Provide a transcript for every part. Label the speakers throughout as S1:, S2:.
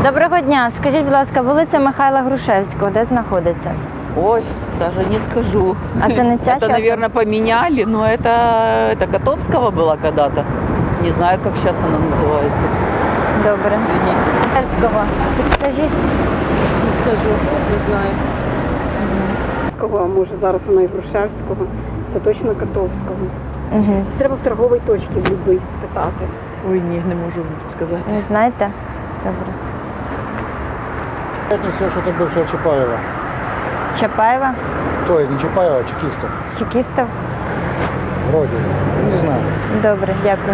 S1: Доброго дня. Скажіть, будь ласка, вулиця Михайла Грушевського, де знаходиться?
S2: Ой, даже не скажу.
S1: А це не ця
S2: Это,
S1: часом?
S2: наверное, поменяли, но это Котовского была когда-то. Не знаю, как сейчас она называется.
S1: Добре.
S2: Извините.
S1: Грушевського. Підскажіть.
S3: Не скажу, не знаю.
S4: А може зараз вона і Грушевського, це точно Котовського.
S1: Угу.
S4: Це треба в торговій точці в любий спитати.
S2: Ой, не можу сказати.
S1: Не знаєте? Добре.
S5: Все, что это бывшая Чапаева.
S1: Чапаєва?
S5: Ой, не Чапаева, а чекистов.
S1: Чекістов?
S5: Вроде. Не знаю.
S1: Добре, дякую.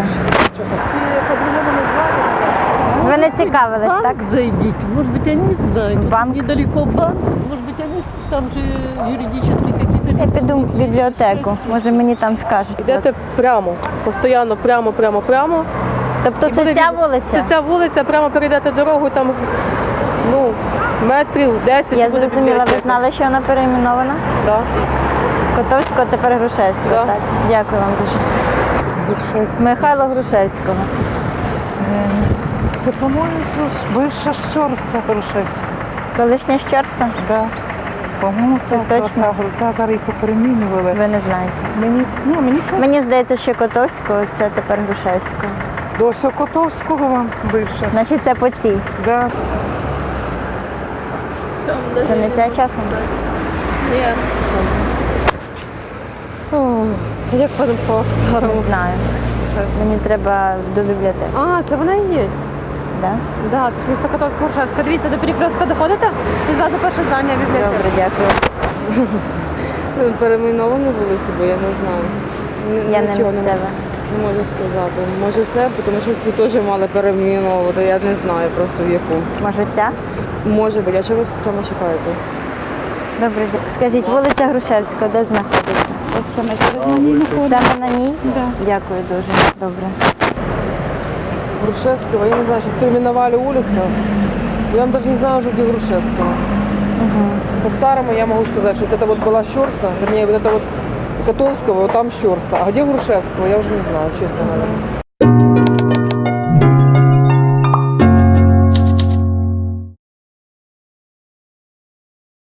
S1: Ви не цікавились, так?
S3: Зайдите, может быть, они знают.
S1: В банк?
S3: Недалеко банк, может быть, они там же юридические какие-то
S1: Я
S3: лица.
S1: піду в бібліотеку, може мені там скажуть.
S6: Йдете прямо, постійно прямо.
S1: Тобто
S6: І
S1: це
S6: буде
S1: ця
S6: від-
S1: вулиця?
S6: Це ця вулиця, прямо перейдете дорогу, там метрів 10.
S1: Я
S6: буде
S1: зрозуміла, ви
S6: бібліотека.
S1: знали, що вона перейменована?
S6: Да.
S1: Котовського, тепер Грушевського,
S6: Да.
S1: так? Дякую вам дуже. Михайло Грушевського.
S7: Це, по-моєму, бивша Щорса Грушевська.
S1: Колишня Щорса?
S7: Да. По-моєму,
S1: Це точно?
S7: Та зараз їх поперемінювали.
S1: Ви не знаєте.
S7: Мені
S1: Мені здається, що Котовського, це тепер Грушевського.
S7: до Котовського вам бивша.
S1: Значить, це по цій.
S7: Да.
S1: Це не ця часом?
S6: Ні. Це як по-старому.
S1: Не знаю. Мені треба до бібліотеки.
S6: А, це вона і є.
S1: Да?
S6: Да, це ж місто Котовського Грушевська. Дивіться, до перекрестка доходите і зразу перше здання бібліотеки.
S1: Добре, дякую.
S8: Це перейменовані вулиці, бо я не знаю.
S1: Я не
S8: Нічого
S1: місцева.
S8: Не можу сказати. Може це, тому що цю теж мали перейменовувати, я не знаю просто в яку.
S1: Може ця?
S8: Може бути, а що ви саме чекаєте?
S1: Добре, дякую. Скажіть, вулиця Грушевського, де знаходиться?
S7: Саме на ній знаходиться.
S1: Саме на ній? Дякую дуже. Добре.
S8: Грушевського, я не знаю, сейчас переименовали улицу. Я даже не знаю уже, где Грушевского. По-старому я могу сказать, что вот это вот была Щорса, вернее, вот это вот Котовского, вот там Щорса. А где Грушевского, я уже не знаю, честно говоря.